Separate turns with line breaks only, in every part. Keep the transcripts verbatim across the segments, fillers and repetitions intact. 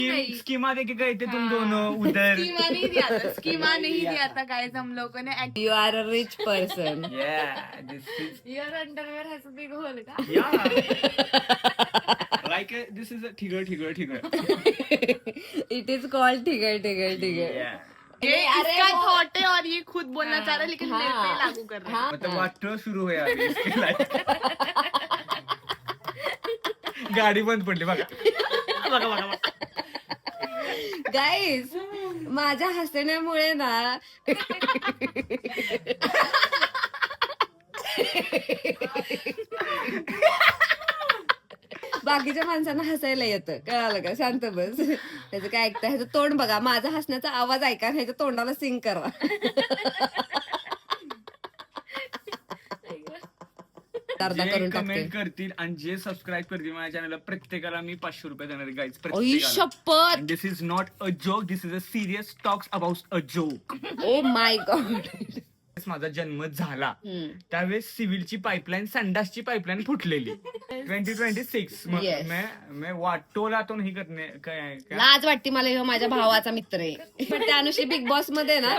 Schema देके गए थे तुम दोनों उधर.
स्कीमा नहीं दिया था स्कीमा नहीं दिया था गाइस हम लोगों ने.
You are a rich person.
Yeah, this is
Your underwear has a big hole का.
yeah. Like a, this is a tigger tigger tigger.
It is called tigger tigger tigger.
Yeah.
ये इसका thought है और ये खुद बोलना चाह रहा है लेकिन मेरे पे लागू कर रहा है.
मतलब वाटतं सुरू आहे आधी इसके लाईफ. गाडी बंद पडली बघा बघा बघा बघा.
गाईज माझ्या हसण्यामुळे ना बाकीच्या माणसांना हसायला येतं. कळालं का? शांत बस. त्याचं काय ऐकतं, ह्याचं तोंड बघा. माझा हसण्याचा आवाज ऐका, ह्याच्या तोंडाला सिंग करा. अर्धा
जे
करून टाकते.
कमेंट करतील आणि जे सबस्क्राईब करतील माझ्या चॅनलला प्रत्येकाला मी पाचशे रुपये देणार आहे गाईज.
ओई शपथ.
This is not a joke, this is a serious talks about a joke.
Oh my god.
माझा जन्म झाला त्यावेळेस सिव्हिलची पाईपलाईन संडासची पाईपलाईन फुटलेली. Twenty twenty six
Yes.
मैं वाटोला तो नाही करणे काय काय-
लाज वाटते मला, ह्यो माझ्या भावाचा मित्र आहे. पण त्या अनुषी बिग बॉस मध्ये ना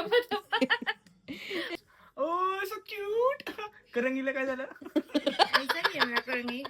ओ सो क्यूट. करंगीला काय झालं?
ऐसा नहीं है मेरा करनी.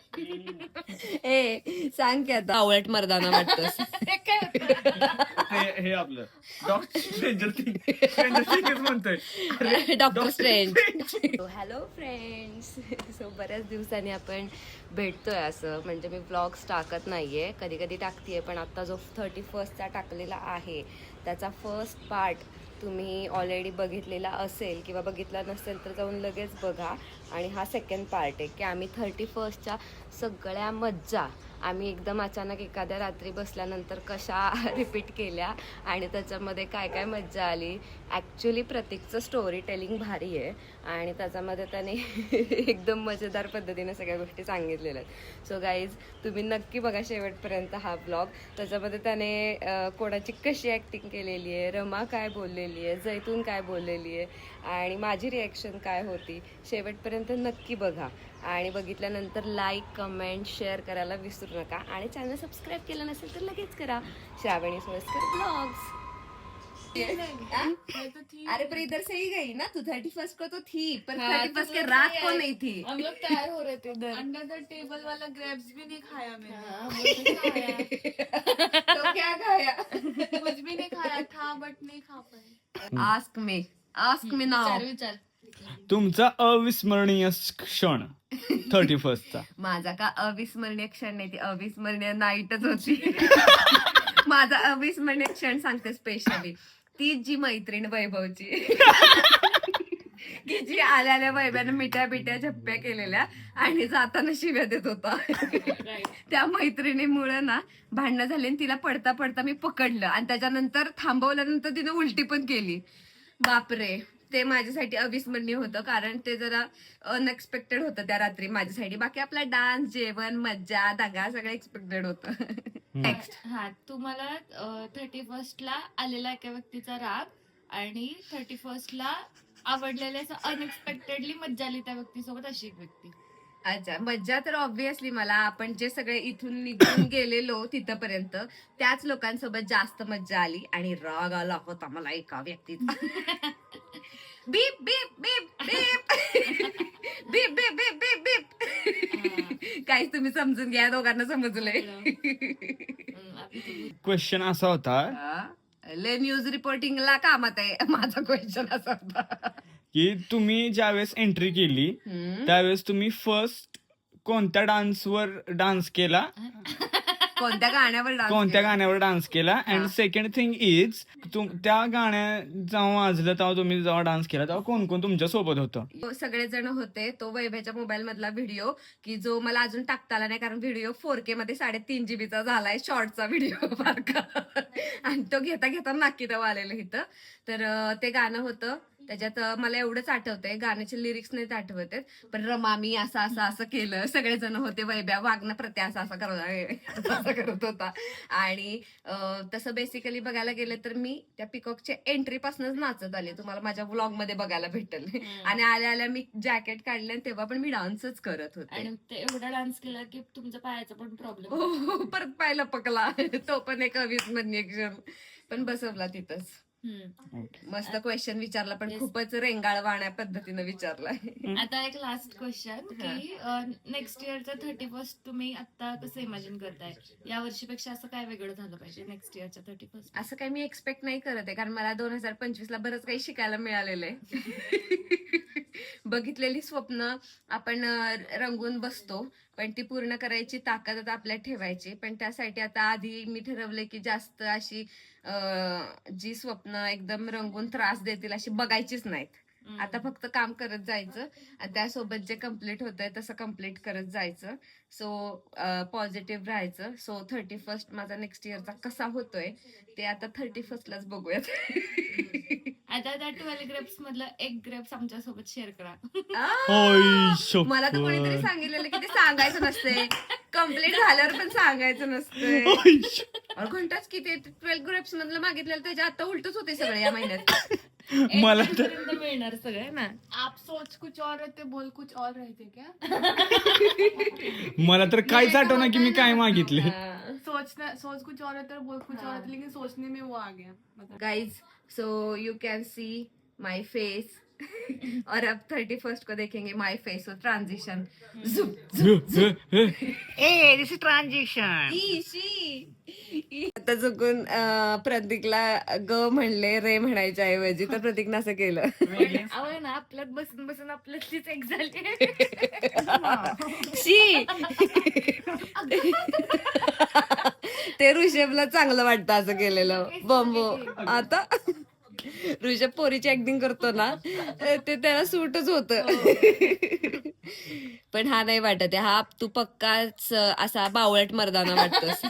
ए सांग की आता आवळट मर्दाना वाटतोस.
हे काय होतं?
हे हे आपलं डॉक्टर स्ट्रेंजर थिंग स्ट्रेंजर थिंगच म्हणतोय.
Doctor strange. Hello friends. So बऱ्याच दिवसांनी आपण भेटतोय. असं म्हणजे मी व्लॉग्स टाकत नाहीये, कधी कधी टाकतेय, पण आता जो थर्टी फर्स्टचा टाकलेला आहे त्याचा फर्स्ट पार्ट तुम्ही ऑलरेडी बघितलेला असेल किंवा बघितला नसेल तर जाऊन लगेच बघा. आणि हा सेकंड पार्ट आहे की आम्ही थर्टी फर्स्टच्या सगळ्या मज्जा आम्ही एकदम अचानक एखाद्या रात्री बसल्यानंतर कशा रिपीट केल्या आणि त्याच्यामध्ये काय काय मज्जा आली. ॲक्च्युली प्रतीकचं स्टोरी टेलिंग भारी आहे आणि त्याच्यामध्ये त्याने एकदम मजेदार पद्धतीने सगळ्या गोष्टी सांगितलेल्या आहेत. सो गाईज तुम्ही नक्की बघा शेवटपर्यंत हा ब्लॉग. त्याच्यामध्ये त्याने अं, कोणाची कशी ॲक्टिंग केलेली आहे, रमा काय बोललेली आहे, जैतून काय बोललेली आहे आणि माझी रिॲक्शन काय होती. शेवटपर्यंत नक्की बघा आणि बघितल्यानंतर लाईक कमेंट शेअर करायला विसरू नका आणि चॅनल सबस्क्राईब केलं नसेल तर लगेच करा. श्रावणी सोयस्कर ब्लॉग्स. अरे पर इधर से ही गई ना तू. थर्टी फर्स्ट को तो थी पर थर्टी फर्स्ट के रात को नहीं थी.
हम लोग तैयार हो रहे थे इधर. अंडर द टेबल वाला ग्रेप्स भी नहीं खाया मैंने.
तो क्या खाया?
कुछ भी नहीं खाया था बट नहीं खा पाए.
आस्क मी आस्क मी नाव.
विचार विचार.
तुमचा अविस्मरणीय क्षण थर्टी फर्स्टचा.
माझा का अविस्मरणीय क्षण नाही, ती अविस्मरणीय नाईटच होती. माझा अविस्मरणीय क्षण सांगते स्पेशली. ती जी मैत्रीण वैभवची की जी आल्या आल्या वैभ्यानं मिठ्या बिट्या झप्प्या केलेल्या आणि जाताना शिव्या देत होता. त्या मैत्रिणीमुळे ना भांडणं झाली आणि तिला पडता पडता मी पकडलं आणि त्याच्यानंतर थांबवल्यानंतर तिने उलटी पण केली. बापरे, ते माझ्यासाठी अविस्मरणीय होतं कारण ते जरा अनएक्सपेक्टेड होतं त्या रात्री माझ्यासाठी. बाकी आपला डान्स, जेवण, मज्जा, दंगा सगळं एक्सपेक्टेड होतं. नेक्स्ट.
हा तुम्हाला थर्टी फर्स्ट ला आलेला एका व्यक्तीचा राग आणि थर्टी फर्स्ट ला आवडलेल्या अनएक्सपेक्टेडली मज्जा आली त्या व्यक्तीसोबत अशी एक व्यक्ती.
अच्छा, मज्जा तर ऑब्व्हियसली मला आपण जे सगळे इथून निघून गेलेलो तिथपर्यंत त्याच लोकांसोबत जास्त मज्जा आली आणि राग आला होता मला एका व्यक्तीचा. बीप बीप बीप बीप बीप बीप बीप बीप बीप. काहीच तुम्ही समजून घ्या, दोघांना समजलंय.
क्वेश्चन असा होता
ले न्यूज रिपोर्टिंगला कामात आहे. माझा क्वेश्चन असा होता
की तुम्ही ज्यावेळेस एंट्री केली त्यावेळेस तुम्ही फर्स्ट कोणत्या डान्सवर डान्स केला,
कोणत्या गाण्यावर डान्स
कोणत्या गाण्यावर डान्स केला. अँड सेकंड थिंग इज त्या गाण्या जेव्हा वाजलं तेव्हा तुम्ही जेव्हा डान्स केला तेव्हा कोण कोण तुमच्या सोबत होतं?
सगळेजण होते. तो वैभ्याच्या मोबाईल मधला व्हिडिओ की जो मला अजून टाकता आला नाही कारण व्हिडिओ फोर के मध्ये साडेतीन जीबीचा झालाय, शॉर्टचा व्हिडिओ फारका आणि तो घेता घेता नाकी तेव्हा आलेलं इथं. तर ते गाणं होतं. त्याच्यात अं, मला एवढंच आठवतंय, गाण्याचे लिरिक्स नाहीत आठवत आहेत, पण रमा मी असं असं असं केलं, सगळेजण होते, वैभ्या वागणं प्रत्या असं असं करत असं करत होता. आणि अं, तसं बेसिकली बघायला गेलं तर मी त्या पिकॉकच्या एंट्री पासूनच नाचत आले, तुम्हाला माझ्या व्लॉग मध्ये बघायला भेटेल. आणि आल्या आल्या मी जॅकेट काढले आणि तेव्हा पण मी डान्सच करत होते.
आणि ते एवढा डान्स केला की तुमचा पायाचा पण प्रॉब्लेम
हो, परत पाहिलं पकला तो पण एक अविस्मरणीय क्षण, पण बसवला तिथंच. मस्त क्वेश्चन विचारला, पण
Yes.
खूपच रेंगाळवाण्या पद्धतीनं विचारलाय.
आता एक लास्ट क्वेश्चन की नेक्स्ट इयरचं थर्टी फर्स्ट तुम्ही आता कसं इमॅजिन करताय, या वर्षीपेक्षा असं काय वेगळं झालं पाहिजे नेक्स्ट इयरच्या थर्टी फर्स्ट?
असं काही मी एक्सपेक्ट नाही करत आहे, कारण मला दोन हजार पंचवीस ला बरंच काही शिकायला मिळालेलं आहे. बघितलेली स्वप्न आपण अं, रंगून बसतो, पण ती पूर्ण करायची ताकद आता आपल्यात ठेवायची. पण त्यासाठी आता आधी मी ठरवलंय की जास्त अशी अं, जी स्वप्न एकदम रंगून त्रास देतील अशी बघायचीच नाहीत. आता फक्त काम करत जायचं आणि त्यासोबत जे कम्प्लीट होतंय तसं कम्प्लीट करत जायचं. सो पॉझिटिव्ह राहायचं. सो थर्टी फर्स्ट माझा नेक्स्ट इयरचा कसा होतोय ते आता थर्टी फर्स्टलाच बघूयात.
आता त्या ट्वेल्व ग्रेप्स मधलं एक ग्रेप्स आमच्या सोबत शेअर करा.
आ, मला तर कोणीतरी सांगितलेलं की ते सांगायचं नसते, कम्प्लीट झाल्यावर पण सांगायचं नसते. अरे घंटाच की ते ट्वेल्व ग्रेप्स मधलं मागितलेलं त्याच्या आता उलटच होते सगळे या महिन्यात.
मला तर
पर्यंत मिळणार सगळे ना.
आप सोच कुछ और रहते बोल कुछ और रहते क्या?
मला तर काहीच आठवणार की मी काय मागितले.
सोचना सोच कुछ और रहता है बोल कुछ और रहता है, लेकिन सोचने में वो आ गया मतलब.
Guys so you can see my face और अब थर्टी फर्स्ट को देखेंगे माई फेस और transition.
A this is transaction.
आता चुकून अं, प्रतीकला ग म्हणले रे म्हणायच्या ऐवजी, तर प्रतीकनं असं केलं.
अहो ना, आपल्यात बसून बसून आपल्यातलीच एक झाली.
शी ते ऋषभला चांगलं वाटतं असं केलेलं बॉम्बो. आता ऋषभ पोरीची ऍक्टिंग करतो ना ते त्याला सूटच होत. पण हा नाही वाटत आहे, हा तू पक्काच असा बावळट मर्दाना वाटतोस.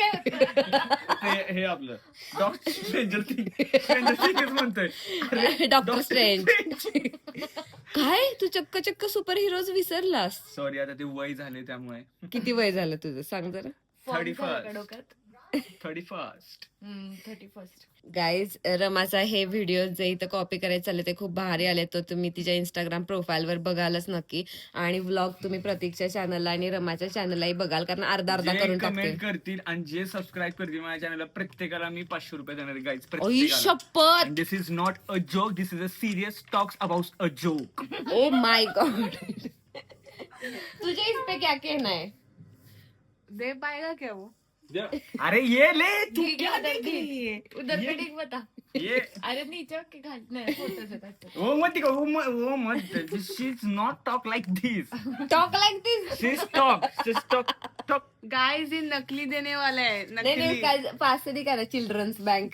हे हे आपलं doctor stranger things stranger things म्हणतोय.
Doctor strange. काय तू चक्क चक्क सुपर हिरोज विसरलास?
सॉरी, आता ते वय झाले त्यामुळे.
किती वय झालं तुझं सांग जरा.
Thirty first thirty first
thirty first
guys, रमाचा हे व्हिडिओ जे इथं कॉपी करायचे चालले ते खूप भारी आले, तर तुम्ही तिच्या इंस्टाग्राम प्रोफाईलवर बघालच नक्की. आणि व्लॉग तुम्ही प्रतीकच्या चॅनलला आणि रमाच्या चॅनललाही बघाल, कारण अर्धा अर्धा
जे
करून टाकते.
कमेंट करतील आणि जे सबस्क्राईब करतील माझ्या चॅनलला प्रत्येकाला मी पाचशे रुपये देणार आहे गाईज.
ओई शपथ.
This is not a joke, this is a serious talks about a joke.
Oh my god. तुझे इस पे क्या कहना है?
दे पाएगा क्या वो?
अरे ये ले तू
ठीक
क्या
है,
देख
ठीक
रही है?
उधर पे ठीक बता.
ये
अरे नीचे के घाल नाही फोटोज येतात.
वो मत दिखा, वो मत वो मत she is not talk like this.
Talk like this.
She is talk she is talk talk.
Guys ये नकली देने वाला है,
नाही नाही,
नकली.
काय पास से दिखा चिल्ड्रंस बैंक.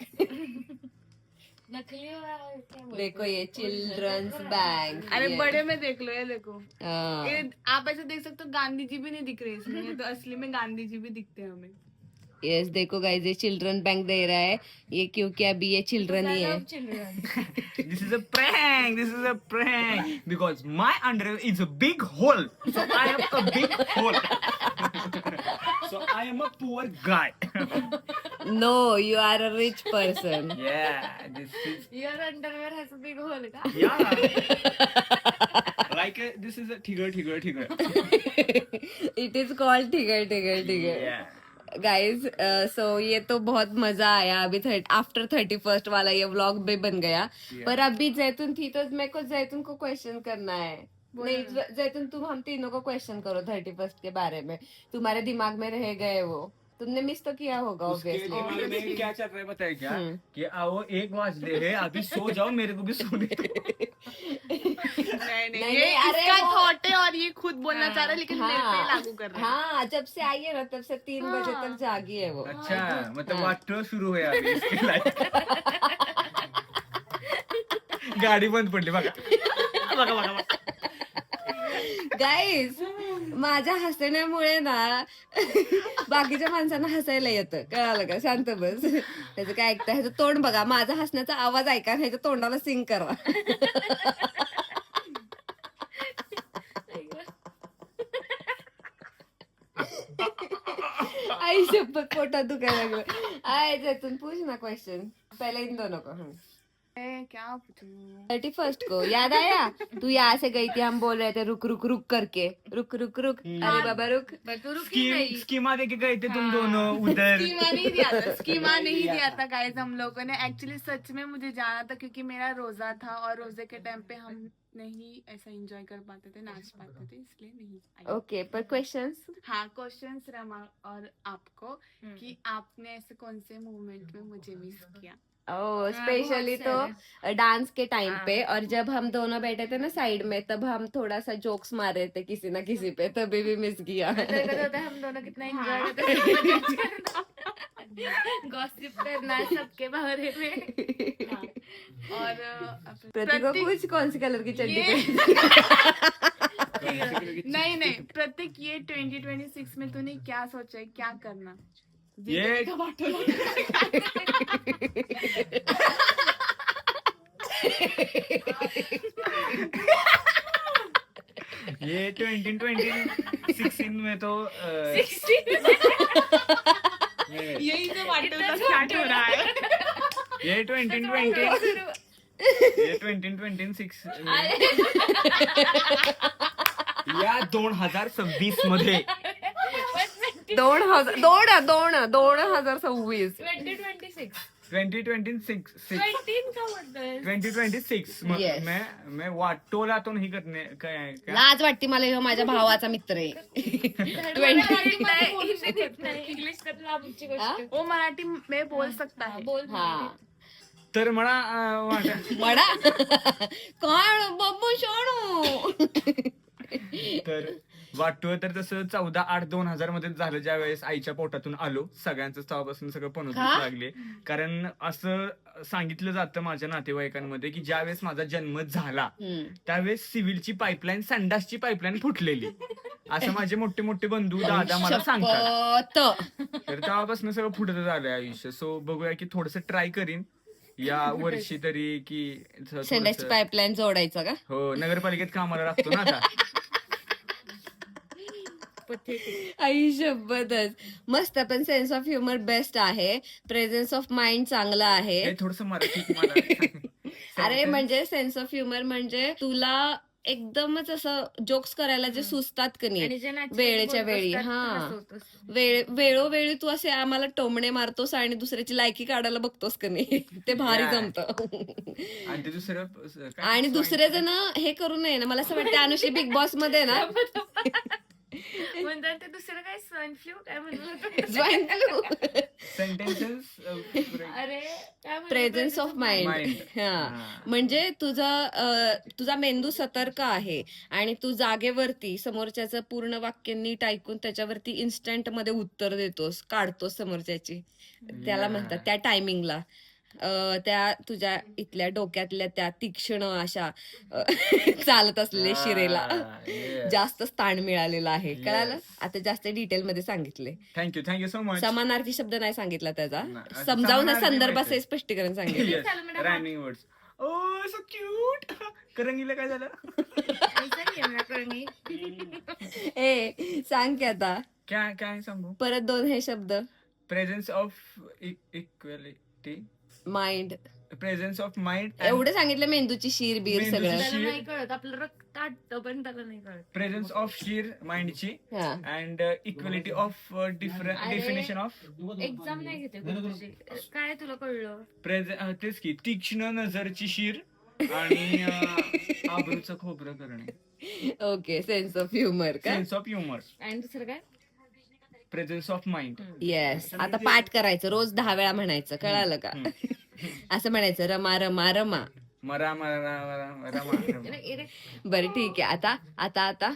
नकली वाला क्या बोलते?
देखो ये चिल्ड्रंस बैंक.
अरे बड़े में देख लो, ये देखो. ये आप ऐसे देख सकते हो, गांधी जी भी नहीं दिख रहे इसमें, ये तो असली में गांधी जी भी दिखते हैं हमें.
यस देखो गाइस, ये चिल्ड्रन बैंक दे रहा है ये, क्योंकि अभी ये चिल्ड्रन ही है.
Children.
This is a prank. This is a prank because my underwear is a big hole. So I am a big hole. So I am a poor guy.
No you are a rich person.
Yeah, this is
your underwear has a big hole का?
yeah. Like a, this is a tigger, tigger, tigger.
It is called tigger tigger tigger.
Yeah.
Guys so ये तो बहुत मजा आया. अभी after thirty first वाला ये vlog भी बन गया.
Yeah.
पर अभी जैतून थी तो मेरे को जैतून को क्वेश्चन करना है. नहीं ज- जैतून तुम हम तीनों को क्वेश्चन करो थर्टी फर्स्ट के बारे में. तुम्हारे दिमाग में रह गए वो, तुमने मिस तो किया होगा
उसके
ऑब्वियसली.
दिमाग में क्या चल रहा है बताए क्या
हम्म.
कि आओ एक बजले है अभी सो जाओ मेरे को भी सोने दो.
नहीं नहीं,
नहीं,
ये
नहीं, अरे
इसका
वो-
थॉट है और ये खुद बोलना चाह रहा है, लेकिन मेरे पे लागू कर रहा है.
हाँ जब से आई है ना तब से तीन बजे तक जागी है वो.
अच्छा मतलब
हाँ.
वाटो शुरू है अभी इसकी लाइफ. गाडी बंद पडली बघा बघा बघा बघा.
गाइस माझ्या हसण्यामुळे ना बाकीच्या माणसांना हसायला येतं, कळालं का? शांत बस. त्याचं काय ऐकतं, ह्याचं तोंड बघा, माझा हसण्याचा आवाज ऐका, ह्याच्या तोंडाला सिंग करा. आई शपथ पोटात दुखायला लागलं. आय त्यातून पूछ ना क्वेश्चन, पहले इन दोनों को.
ए, क्या पूछूं?
थर्टी फर्स्ट को याद आया? तू यहाँ से गई थी, हम बोल रहे थे रुक रुक रुक करके, रुक रुक रुक. अरे बाबा रुक.
पर तू रुकी
स्कीम
नहीं.
स्कीमा देके गए थे तुम दोनों उधर.
स्कीमा नहीं दिया था, स्कीमा नहीं दिया था गाइस हम लोगों ने. एक्चुअली सच में मुझे जाना था क्योंकि मेरा रोजा था और रोजे के टाइम पे हम नहीं ऐसा एंजॉय कर पाते थे, नाच पाते थे, इसलिए नहीं आई.
ओके, पर क्वेश्चंस
हाँ, क्वेश्चंस रमा और आपको कि आपने ऐसे कौन से मूवमेंट में मुझे मिस किया.
ओ स्पेशली तो डांस के टाइम पे, और जब हम दोनों बैठे थे ना साइड में, तब हम थोड़ा सा जोक्स मार रहे थे किसी ना किसी पे, तभी भी मिस किया.
हम दोनों कितना एंजॉय करते गॉसिप करना सबके बारे में.
और अ,
प्रतीक को
प्रतीक-
कुछ कौन सी कलर की चड्डी
ये-
पहनी?
नहीं नहीं प्रतीक, ये ट्वेंटी ट्वेंटी सिक्स में तूने क्या सोचा है, क्या करना?
ये ये ट्वेंटी ट्वेंटी सिक्सटीन में तो अ, ये-
यही तो वाटोला स्टार्ट हो रहा है.
ये ट्वेंटी ट्वेंटी ये ट्वेंटी ट्वेंटी सिक्स या दोन हजार सव्वीस मध्ये
दोन हजार दोन दोन दोन हजार सव्वीस
twenty twenty six
twenty twenty six
ट्वेंटीन का बोलतोय.
Twenty twenty six
Yes.
मैं मैं वाटोला तो नहीं करने काय क्या
लाज वाटते मला, ह्यो माझ्या भावाचा मित्र आहे.
इंग्लिश तर लांबची गोष्ट.
वो मराठी में बोल सकता है.
बोल
हा
तर मला अं, वाट-
मडा कोण बब्बू शोणू.
तर वाटतो तर तसं चौदा आठ दोन हजार मध्ये झालं, ज्या वेळेस आईच्या पोटातून आलो. सगळ्यांचं तेव्हापासून सगळं पनोतीस
का?
लागले. कारण असं सांगितलं जातं माझ्या नातेवाईकांमध्ये की ज्या वेळेस माझा जन्म झाला
हम्म.
त्यावेळेस सिव्हिलची पाईपलाईन, संडासची पाईपलाईन फुटलेली, असं माझे मोठे मोठे बंधू दादा मला सांगतात.
शपथ.
तर तेव्हापासून सगळं फुटत झालंय आयुष्य. सो बघूया की थोडस ट्राय करीन या वर्षी तरी की थोडंसं-
संडासची पाईपलाईन जोडायचं का?
हो, नगरपालिकेत कामाला लागतो ना आता.
आई शपथच. मस्त, पण सेन्स ऑफ ह्युमर बेस्ट आहे, प्रेझेन्स ऑफ माइंड चांगला आहे.
हे थोडस मराठीत मला
अरे म्हणजे सेन्स ऑफ ह्युमर म्हणजे तुला एकदमच असं जोक्स करायला जे सुचतात का
आणि
नाही
जे naturally
वेळेच्या
बोलत
वेळी.
असतात,
हा
तसं होतं.
वेळ वेळोवेळी तू असे आम्हाला टोमणे मारतोस आणि दुसऱ्याची लायकी काढायला बघतोस का नाही, ते भारी
Yeah.
जमतं.
आणि ते दुसरं काय?
आणि दुसरे जण हे करू नये ना. मला असं वाटतं अनुश्री बिग बॉस मध्ये ना
म्हणतात ते दुसरं काय स्वाईन फ्लू काय म्हणतात.
Swine flu.
सेंटेन्सेस
अरे काय म्हणतात?
Presence of mind.
Mind.
हा
हा.
म्हणजे तुझा अं, तुझा मेंदू सतर्क आहे आणि तू जागेवरती समोरच्याचं पूर्ण वाक्य नीट ऐकून त्याच्यावरती इन्स्टंट मध्ये उत्तर देतोस, काढतोस समोरच्याची. त्याला
Yeah.
म्हणतात त्या टायमिंगला अं, त्या तुझ्या इथल्या डोक्यातल्या त्या तीक्ष्ण अशा अं, चालत असलेल्या शिरेला जास्त स्थान मिळालेलं आहे. कळालं? आता जास्त डिटेल मध्ये सांगितले.
Thank you thank you so much.
समानार्थी शब्द नाही सांगितला त्याचा,
नाही.
समजावून
समानार्थी
संदर्भाचं
माहिती.
स्पष्टीकरण सांगितलं.
Rhyming words. Oh so cute. करंगीला काय झालं?
ऐसा ही है मेरा करणी.
ए सांग की आता
काय काय सांगू?
परत दोन हे शब्द.
Presence of equality,
mind.
Presence of mind,
एवढं सांगितलं, मेंदूची शिर बीर
मेंदूची
सगळं.
त्याला
शी-
नाही कळत, आपलं रक्त आटतं पण त्याला नाही कळत.
प्रेझेन्स ऑफ शीर माइंडची
हा.
अँड इक्वॅलिटी ऑफ डिफरंट
अरे.
डेफिनेशन ऑफ
एक्झाम नाही घेते कोण तुझी. काय तुला कळलं?
प्रेझेंट तेच की तीक्ष्ण नजरची शीर आणि अं, आबरूचं खोबरं करणे.
ओके, सेन्स ऑफ ह्युमर का?
सेन्स ऑफ ह्युमर,
आणि दुसरं काय?
Presence of mind.
येस. आता पाठ करायचं, रोज दहा वेळा म्हणायचं, कळालं का? असं म्हणायचं, रमा रमा रमा.
मरा मरा मरा रमा.
बरं ठीक आहे. आता आता आता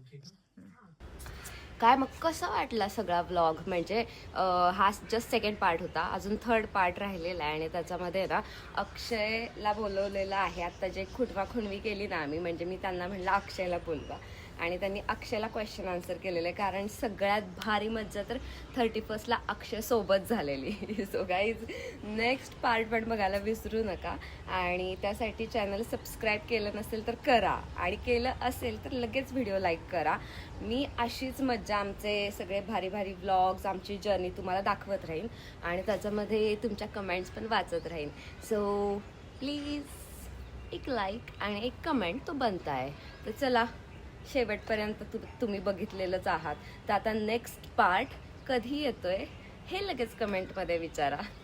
काय मग कसा वाटला सगळा व्लॉग? म्हणजे अं, हा जस्ट सेकंड पार्ट होता, अजून थर्ड पार्ट राहिलेला आहे आणि त्याच्यामध्ये ना अक्षयला बोलवलेलं आहे. आता जे खुटवा खुणवी केली ना आम्ही, म्हणजे मी त्यांना म्हणलं अक्षयला बोलवा, आणि त्यांनी अक्षयला क्वेश्चन आन्सर केलेलं आहे, कारण सगळ्यात भारी मज्जा तर थर्टी फर्स्टला अक्षय सोबत झालेली. सो गाईज नेक्स्ट पार्ट पण बघायला विसरू नका, आणि त्यासाठी चॅनल सबस्क्राईब केलं नसेल तर करा, आणि केलं असेल तर लगेच व्हिडिओ लाईक करा. मी अशीच मज्जा, आमचे सगळे भारी भारी व्लॉग्स, आमची जर्नी तुम्हाला दाखवत राहीन, आणि त्याच्यामध्ये तुमच्या कमेंट्स पण वाचत राहीन. सो प्लीज एक लाईक आणि एक कमेंट तो बनता आहे. तर चला, शेवटपर्यंत तु तुम्ही बघितलेलंच आहात, तर आता नेक्स्ट पार्ट कधी येतोय हे लगेच कमेंटमध्ये विचारा.